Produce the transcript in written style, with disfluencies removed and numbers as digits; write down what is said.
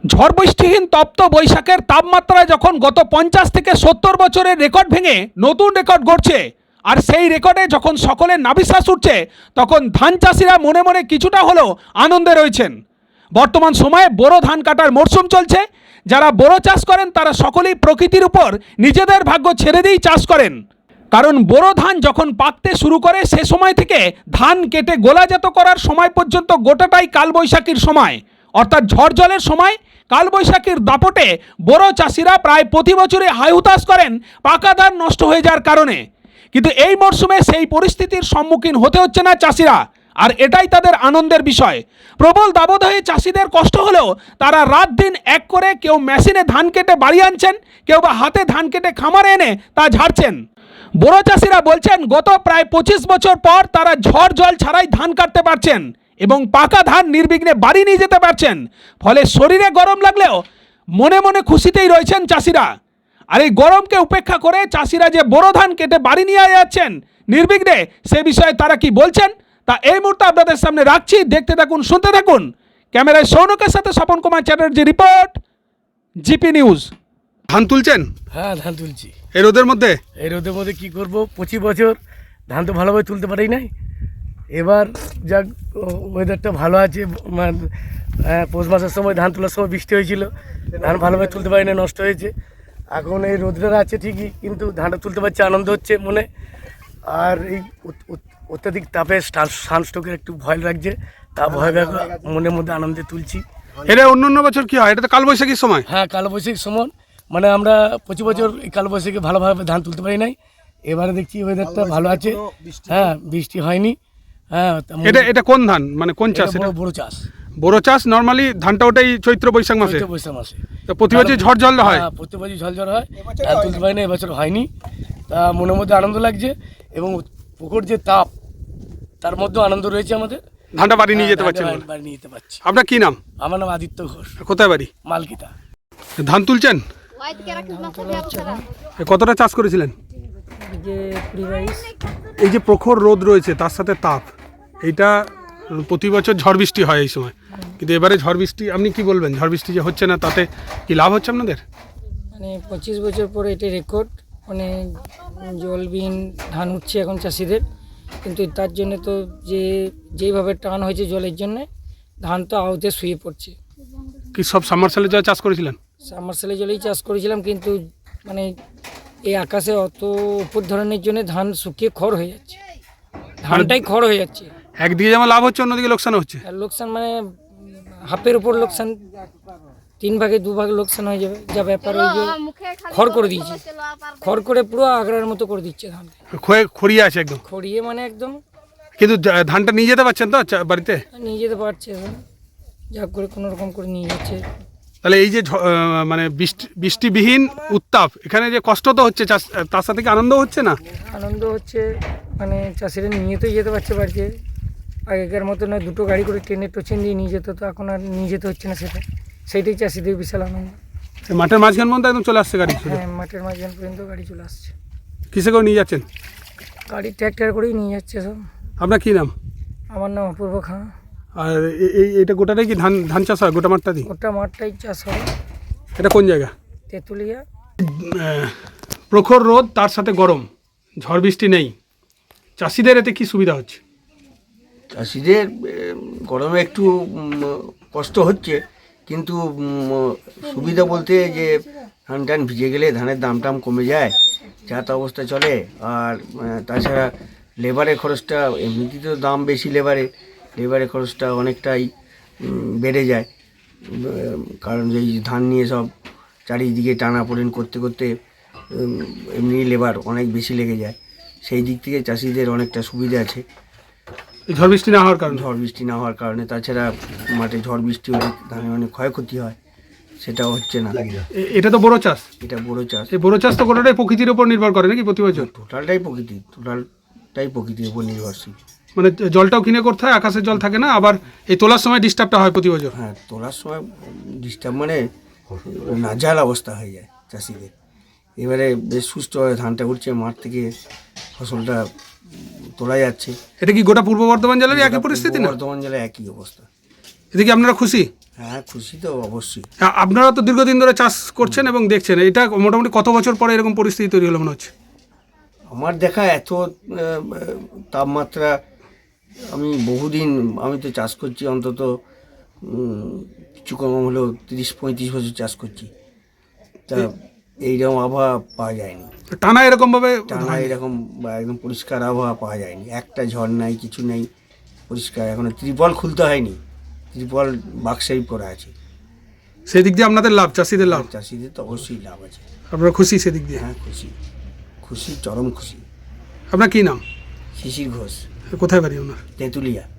ঝড় বৃষ্টিহীন তপ্ত বৈশাখের তাপমাত্রায় যখন গত 50 থেকে 70 বছরের রেকর্ড ভেঙে নতুন রেকর্ড গড়ছে, আর সেই রেকর্ডে যখন সকলের নাভিশ্বাস উঠছে, তখন ধান চাষিরা মনে মনে কিছুটা হলেও আনন্দে রয়েছেন। বর্তমান সময়ে বোরো ধান কাটার মরশুম চলছে। যারা বোরো চাষ করেন তারা সকলেই প্রকৃতির উপর নিজেদের ভাগ্য ছেড়ে দিয়েই চাষ করেন। কারণ বোরো ধান যখন পাকতে শুরু করে সে সময় থেকে ধান কেটে গোলাজাত করার সময় পর্যন্ত গোটাটাই কালবৈশাখীর সময়, অর্থাৎ ঝড় জলের সময়। কালবৈশাখীর দাপটে বোরো চাষিরা প্রায় প্রতি বছরই হায়হুতাশ করেন পাকা ধান নষ্ট হয়ে যাওয়ার কারণে। কিন্তু এই মরশুমে সেই পরিস্থিতির সম্মুখীন হতে হচ্ছে না চাষিরা, আর এটাই তাদের আনন্দের বিষয়। প্রবল দাবদাহে চাষিদের কষ্ট হলেও তারা রাত দিন এক করে কেউ মেশিনে ধান কেটে বাড়ি আনছেন, কেউ বা হাতে ধান কেটে খামারে এনে তা ঝাড়ছেন। বোরো চাষিরা বলছেন গত প্রায় 25 বছর পর তারা ঝড় জল ছাড়াই ধান কাটতে পারছেন এবং পাকা ধান নির্বিঘ্নে বাড়ি নিয়ে যেতে পারছেন। ফলে শরীরে গরম লাগলেও মনে মনে খুশিতেই রয়েছেন চাষিরা। আর এই গরমকে উপেক্ষা করে চাষিরা যে বোরো ধান কেটে বাড়ি নিয়ে যাচ্ছেন নির্বিঘ্নে, সে বিষয়ে তারা কি বলছেন তা এই মুহূর্তে আপনাদের সামনে রাখছি। দেখতে থাকুন, শুনতে থাকুন। ক্যামেরায় সৌনকের সাথে Swapan Kumar Chatterjee, report, GP news. ধান তুলছেন? হ্যাঁ, ধান তুলছি। এই রোদের মধ্যে? এই রোদের মধ্যে কী করবো, 25 বছর ধান তো ভালোভাবে তুলতে পারি নাই। এবার যাক ওয়েদারটা ভালো আছে, পৌষ মাসের সময় ধান তোলার সময় বৃষ্টি হয়েছিল, ধান ভালোভাবে তুলতে পারি না, নষ্ট হয়েছে। এখন এই রোদটা আছে ঠিকই, কিন্তু ধানটা তুলতে পারছি, আনন্দ হচ্ছে মনে। আর এই অত্যাধিক তাপে সানস্ট্রোকের একটু ভয় লাগছে, তা ভয় মনের মধ্যে আনন্দে তুলছি। এটা অন্য বছর কি হয়? এটা তো কালবৈশাখীর সময়। হ্যাঁ, কালবৈশাখীর সময়, মানে আমরা 25 বছর এই কালবৈশাখী ভালোভাবে ধান তুলতে পারি নাই। এবারে দেখছি ওয়েদারটা ভালো আছে। হ্যাঁ, বৃষ্টি হয়নি। হ্যাঁ, এটা কোন ধান, মানে কোন চাষ? এটা বড় চাষ। বড় চাষ। নর্মালি ধানটা ওটাই চৈত্র বৈশাখ মাসে। বৈশাখ মাসে তো প্রতি বছর ঝড় জল হয়। হ্যাঁ, প্রতি বছর ঝড় জল হয়, ধান তুলতে পারি না, এবছর হয়নি। তা মনের মধ্যে আনন্দ লাগছে এবং পুকুর যে তাপ, তার মধ্যেও আনন্দ রয়েছে আমাদের। ধানটা বাড়ি নিয়ে যেতে পারছেন? বাড়ি নিয়ে যেতে পারছি। আপনার কি নাম? আমার নাম আদিত্য ঘোষ। কোথায় বাড়ি? মালকিতা। ধান তুলছেন? কতটা চাষ করেছিলেন? এই যে প্রখর রোদ রয়েছে তার সাথে তাপ, এইটা প্রতি বছর ঝড় বৃষ্টি হয় এই সময়, কিন্তু এবারে ঝড় বৃষ্টি, আপনি কি বলবেন? ঝড় বৃষ্টি যে হচ্ছে না তাতে কি লাভ হচ্ছে আপনাদের? মানে 25 বছর পরে এটা রেকর্ড, মানে জলবিহীন ধান উঠছে এখন চাষিদের, কিন্তু তার জন্য তো যেইভাবে টান হয়েছে জলের জন্য ধান তো আওতে শুয়ে পড়ছে। কি সব সাবমার্সালে যা চাষ করেছিলেন? সাবমার্সালে জলেই চাষ করেছিলাম, কিন্তু মানে এই আকাশে অত উপর ধরনের জন্য ধান শুকিয়ে খড় হয়ে যাচ্ছে, ধানটাই খড় হয়ে যাচ্ছে। একদিকে যেমন লাভ হচ্ছে, অন্যদিকে লোকসান হচ্ছে। আর লোকসান মানে হাফের উপর লোকসান, 3 ভাগে 2 ভাগ লোকসান হয়ে যাবে। যা ব্যাপার ওই যে খড় করে দিয়েছে, খড় করে পুরো আগড়ার মতো করে দিচ্ছে ধান, খড়িয়ে আছে একদম, খড়িয়ে মানে একদম। কিন্তু ধানটা নিয়ে যেতে পারছেন তো বাড়িতে? নিয়ে যেতে পারছে, যা করে কোনো রকম করে নিয়ে যাচ্ছে। তাহলে এই যে মানে বৃষ্টিবিহীন উত্তাপ, এখানে যে কষ্ট তো হচ্ছে চাষ, তার সাথে কি আনন্দ হচ্ছে না? আনন্দ হচ্ছে, মানে চাষিরা নিয়ে তো যেতে পারছে বাড়িতে। আগেকার মতো না 2টো গাড়ি করে ট্রেনের টোচেন দিয়ে নিয়ে যেত, তো এখন আর নিয়ে যেতে হচ্ছে না, সেইটাই চাষিদের বিশাল আনন্দ। মাঠের মাঝখান পর্যন্ত একদম চলে আসছে গাড়ি? হ্যাঁ, মাঠের মাঝখান পর্যন্ত গাড়ি চলে আসছে। কিসে করে নিয়ে যাচ্ছেন? গাড়ি ট্র্যাক্টর করেই নিয়ে যাচ্ছে সব। আপনার কি নাম? আমার নাম অপূর্ব খাঁ। আর এইটা গোটাটাই কি ধান চাষ হয়? গোটা মাঠটা দিই? গোটা মাঠটাই চাষ হয়। এটা কোন জায়গা? তেঁতুলিয়া। প্রখর রোদ, তার সাথে গরম, ঝড় বৃষ্টি নেই, চাষিদের এতে কি সুবিধা হচ্ছে? চাষিদের গরমে একটু কষ্ট হচ্ছে, কিন্তু সুবিধা বলতে যে ধান টান ভিজে গেলে ধানের দাম টাম কমে যায়, যাতা অবস্থা চলে। আর তাছাড়া লেবারের খরচটা, এমনিতেই তো দাম বেশি লেবারের খরচটা অনেকটাই বেড়ে যায়, কারণ এই ধান নিয়ে সব চারিদিকে টানাপোড়েন করতে করতে এমনি লেবার অনেক বেশি লেগে যায়। সেই দিক থেকে চাষিদের অনেকটা সুবিধা আছে ঝড় বৃষ্টি না হওয়ার কারণে। তাছাড়া মাঠে ঝড় বৃষ্টি হলে ধানের অনেক ক্ষয়ক্ষতি হয়, সেটাও হচ্ছে না। এটা তো বড় চাষ। এটা বড় চাষ। এই বড় চাষ তো গোটাটাই প্রকৃতির উপর নির্ভর করে নাকি প্রতি বছর? টোটালটাই প্রকৃতির উপর নির্ভরশীল। মানে জলটাও কিনে করতে হয়, আকাশের জল থাকে না, আবার এই তোলার সময় ডিস্টার্বটা হয় প্রতি বছর। হ্যাঁ, তোলার সময় ডিস্টার্ব, মানে নাজেহাল অবস্থা হয়ে যায় চাষিদের। এবারে বেশ সুস্থভাবে ধানটা উঠছে, মাঠ থেকে ফসলটা তোলা যাচ্ছে। এটা কি গোটা পূর্ব বর্ধমান জেলার একই পরিস্থিতি? না, বর্ধমান জেলায় একই অবস্থা। এতে কি আপনারা খুশি? হ্যাঁ, খুশি তো অবশ্যই। আপনারা তো দীর্ঘদিন ধরে চাষ করছেন এবং দেখছেন, এটা মোটামুটি কত বছর পরে এরকম পরিস্থিতি তৈরি হলো মনে হচ্ছে? আমার দেখা এত তাপমাত্রা আমি বহুদিন, আমি তো চাষ করছি অন্তত কিছু কম হলেও 30-35 বছর চাষ করছি, তা এইরকম আবহাওয়া পাওয়া যায়নি। টানা এরকমভাবে টানা এরকম বা একদম পরিষ্কার আবহাওয়া পাওয়া যায়নি, একটা ঝড় নাই, কিছু নেই, পরিষ্কার। এখনো ত্রিপল খুলতে হয়নি, ত্রিপল বাক্সেই পড়ে আছে। সেই দিক দিয়ে আপনাদের লাভ, চাষিদের লাভ, চাষিদের তো অবশ্যই লাভ আছে। আপনারা খুশি সেদিক দিয়ে? হ্যাঁ, খুশি, খুশি, চরম খুশি। আপনার কী নাম? শিশির ঘোষ, কোথায় বাড়ি আপনার? তেঁতুলিয়া।